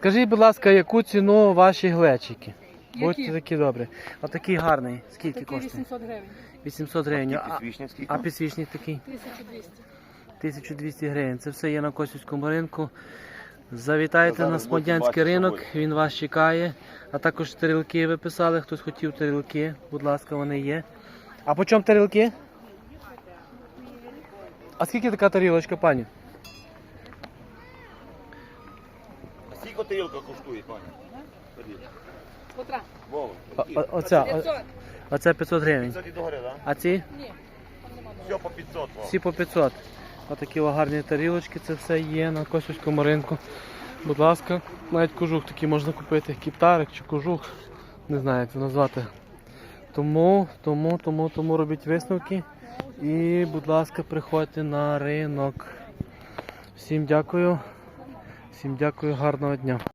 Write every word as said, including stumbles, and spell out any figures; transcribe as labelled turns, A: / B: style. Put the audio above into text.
A: Скажіть, будь ласка, яку ціну ваші глечики?
B: Які?
A: Будьте такі добрі. Отакий гарний. Скільки
B: Такий
A: коштує?
B: вісімсот гривень.
A: вісімсот гривень. А,
C: Підсвічник скільки?
A: а підсвічник такий?
B: тисяча двісті.
A: тисяча двісті гривень. Це все є на Косівському ринку. Завітайте
C: Зараз
A: на
C: будете
A: Смодянський
C: бачити,
A: ринок,
C: що
A: він вас чекає. А також тарілки ви писали, хтось хотів тарілки, будь ласка, вони є. А по чому тарілки? А скільки така тарілочка, пані?
C: А скільки тарілка коштує, пані? Ходіть.
B: Котра?
C: Вова,
A: О-
C: які?
A: о- Оця, о-
B: п'ятсот.
A: оце п'ятсот гривень.
C: п'ятсот і догори, так?
A: А ці?
B: Ні, там нема.
C: Все по п'ятсот. Вова.
A: Всі по п'ятсот. Отакі о гарні тарілочки, це все є на Косівському ринку. Будь ласка, навіть кожух такий можна купити, кіптарик чи кожух, не знаю як це назвати. Тому, тому, тому, тому робіть висновки і, будь ласка, приходьте на ринок. Всім дякую, всім дякую, гарного дня.